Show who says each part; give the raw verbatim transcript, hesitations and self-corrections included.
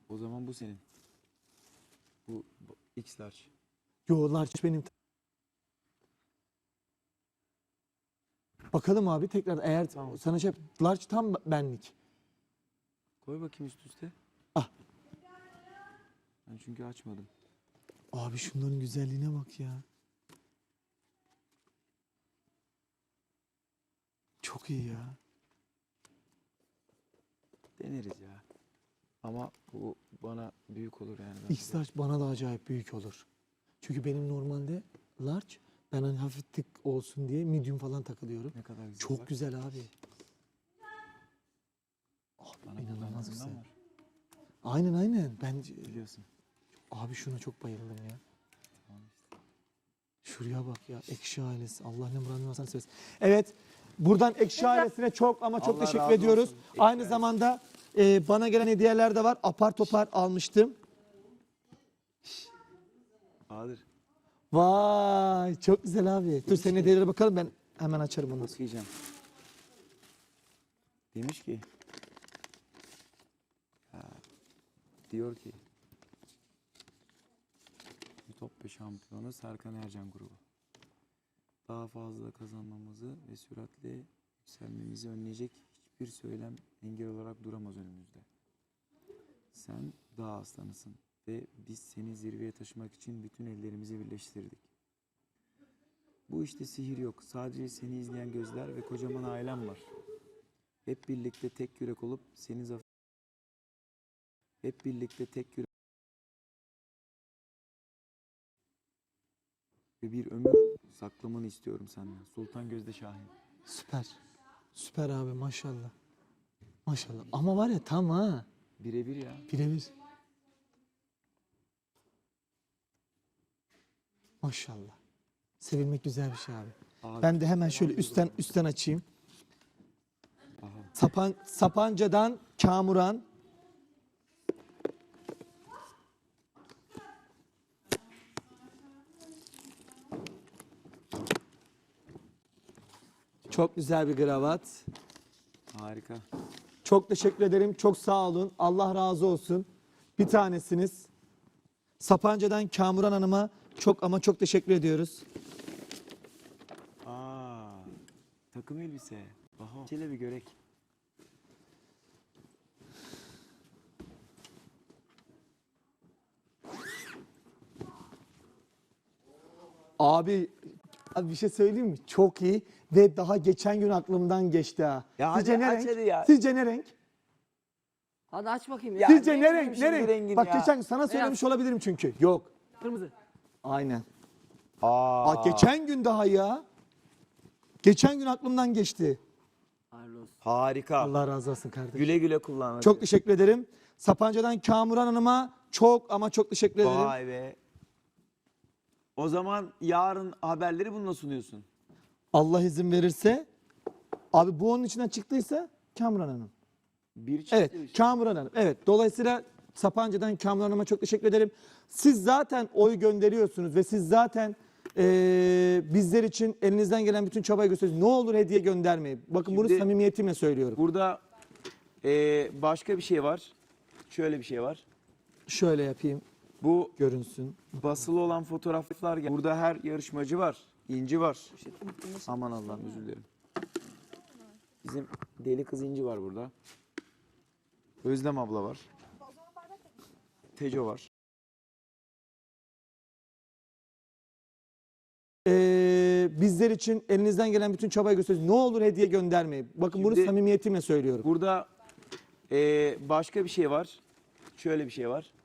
Speaker 1: O zaman bu senin. Bu, bu X large.
Speaker 2: Yo large benim. Bakalım abi tekrar eğer
Speaker 1: Tamam.
Speaker 2: sana şey large tam benlik.
Speaker 1: Koy bakayım üst üste.
Speaker 2: Ah.
Speaker 1: Ben çünkü açmadım.
Speaker 2: Abi şunların güzelliğine bak ya. Çok iyi ya.
Speaker 1: Deneriz ya. Ama bu bana büyük olur yani.
Speaker 2: X large bana da acayip büyük olur. Çünkü benim normalde large, ben hani hafif tık olsun diye medium falan takılıyorum.
Speaker 1: Ne kadar güzel.
Speaker 2: Çok
Speaker 1: bak.
Speaker 2: güzel abi.
Speaker 1: Bana
Speaker 2: İnanılmaz
Speaker 1: kullandığından
Speaker 2: güzel.
Speaker 1: var.
Speaker 2: Aynen aynen. Ben
Speaker 1: Biliyorsun.
Speaker 2: abi şuna çok bayıldım ya.
Speaker 1: Tamam işte.
Speaker 2: Şuraya bak ya. Ekşi ailesi. Allah ne muradını varsan söylesin. Evet. Buradan Ekşi ailesine çok ama çok
Speaker 1: Allah
Speaker 2: teşekkür
Speaker 1: razı
Speaker 2: ediyoruz.
Speaker 1: olsun. Ekşi
Speaker 2: Aynı
Speaker 1: ailesi.
Speaker 2: zamanda e, bana gelen hediyeler de var. Apar topar almıştım.
Speaker 1: Bahadır.
Speaker 2: Vay çok güzel abi. Dur senin hediyelere bakalım, ben hemen açarım onu.
Speaker 1: Okuyacağım. Demiş ki. Ha, diyor ki. Ütopya şampiyonu Serkan Ercan grubu. Daha fazla kazanmamızı ve süratle yükselmemizi önleyecek hiçbir söylem engel olarak duramaz önümüzde. Sen dağ aslanısın ve biz seni zirveye taşımak için bütün ellerimizi birleştirdik. Bu işte sihir yok. Sadece seni izleyen gözler ve kocaman ailem var. Hep birlikte tek yürek olup seni zafer... Hep birlikte tek yürek... Ve bir ömür saklamanı istiyorum senden. Sultan Gözde Şahin.
Speaker 2: Süper. Süper abi maşallah. Maşallah. Ama var ya tam ha.
Speaker 1: Birebir ya.
Speaker 2: Birebir. Maşallah. Sevilmek güzel bir şey abi.
Speaker 1: Abi,
Speaker 2: Ben de hemen şöyle üstten üstten açayım.
Speaker 1: Aha.
Speaker 2: Sapan, Sapanca'dan Kamuran. Çok güzel bir kravat.
Speaker 1: Harika.
Speaker 2: Çok teşekkür ederim. Çok sağ olun. Allah razı olsun. Bir tanesiniz. Sapanca'dan Kamuran Hanım'a çok ama çok teşekkür ediyoruz.
Speaker 1: Aa, takım elbise. Aha. Şöyle bir görek.
Speaker 2: Abi, abi bir şey söyleyeyim mi? Çok iyi ve daha geçen gün aklımdan geçti ha.
Speaker 1: Ya
Speaker 2: Sizce
Speaker 1: hadi
Speaker 2: ne
Speaker 1: aç
Speaker 2: renk?
Speaker 1: hadi ya.
Speaker 2: Sizce ne renk?
Speaker 3: Hadi aç bakayım ya.
Speaker 1: Ya
Speaker 2: Sizce
Speaker 1: ne
Speaker 2: ne
Speaker 1: bileyim
Speaker 2: renk? Ne
Speaker 1: şimdi
Speaker 2: renk?
Speaker 1: rengin
Speaker 2: Bak
Speaker 1: ya.
Speaker 2: geçen gün sana söylemiş olabilirim çünkü. Yok.
Speaker 3: Kırmızı.
Speaker 2: Aynen.
Speaker 1: Aa,
Speaker 2: Aa, geçen gün daha ya. Geçen gün aklımdan geçti.
Speaker 3: Hayırlı olsun.
Speaker 1: harika.
Speaker 2: Allah razı olsun kardeşim.
Speaker 1: Güle güle kullan. hadi.
Speaker 2: Çok teşekkür ederim. Sapanca'dan Kamuran Hanım'a çok ama çok teşekkür ederim.
Speaker 1: Vay be. O zaman yarın haberleri bununla sunuyorsun.
Speaker 2: Allah izin verirse. Abi bu onun içinden çıktıysa Kamuran Hanım.
Speaker 1: Bir çıktı.
Speaker 2: Evet,
Speaker 1: bir şey.
Speaker 2: Kamuran Hanım. Evet, dolayısıyla Sapanca'dan Kamuran Hanım'a çok teşekkür ederim. Siz zaten oy gönderiyorsunuz ve siz zaten eee, bizler için elinizden gelen bütün çabayı gösteriyorsunuz. Ne olur hediye göndermeyin. Bakın bunu
Speaker 1: Şimdi-
Speaker 2: samimiyetimle söylüyorum.
Speaker 1: Burada eee, başka bir şey var. Şöyle bir şey var.
Speaker 2: Şöyle yapayım,
Speaker 1: Bu
Speaker 2: görünsün.
Speaker 1: basılı olan fotoğraflar. gel- Burada her yarışmacı var. İnci var. Aman Allah'ım özür dilerim. Bizim deli kız İnci var burada. Özlem abla var. Teco var.
Speaker 2: Eee, bizler için elinizden gelen bütün çabayı gösteriyorsunuz. Ne olur hediye göndermeyin. Bakın bunu
Speaker 1: Şimdi-
Speaker 2: samimiyetimle söylüyorum.
Speaker 1: Burada eee, başka bir şey var. Şöyle bir şey var.